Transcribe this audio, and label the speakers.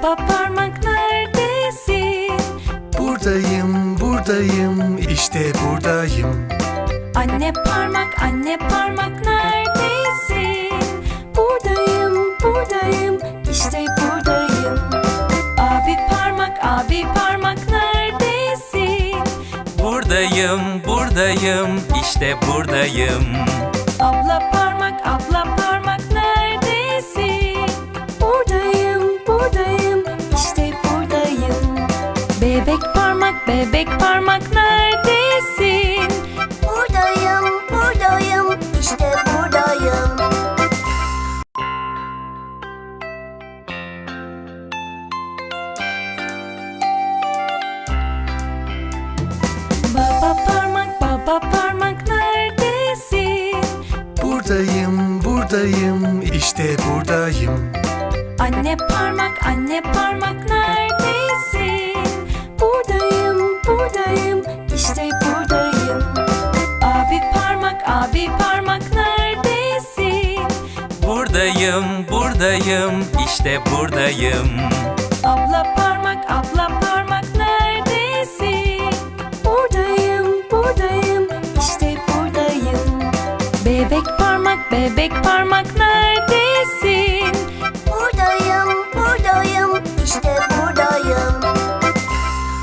Speaker 1: Baba parmak neredesin?
Speaker 2: Buradayım, buradayım, işte buradayım.
Speaker 1: Anne parmak neredesin? Buradayım, buradayım, işte buradayım. Abi parmak neredesin?
Speaker 3: Buradayım, buradayım, işte buradayım.
Speaker 1: Abla parmak neredesin? Buradayım, buradayım, işte buradayım. Bebek parmak neredesin?
Speaker 4: Buradayım, buradayım, işte buradayım.
Speaker 1: Baba parmak neredesin?
Speaker 2: Buradayım, buradayım, işte buradayım.
Speaker 1: Anne parmak neredesin? Buradayım, buradayım, işte buradayım. Abi parmak neredesin?
Speaker 3: Buradayım, buradayım, işte buradayım.
Speaker 1: Abla parmak neredesin? Buradayım, buradayım, işte buradayım. Bebek parmak neredesin?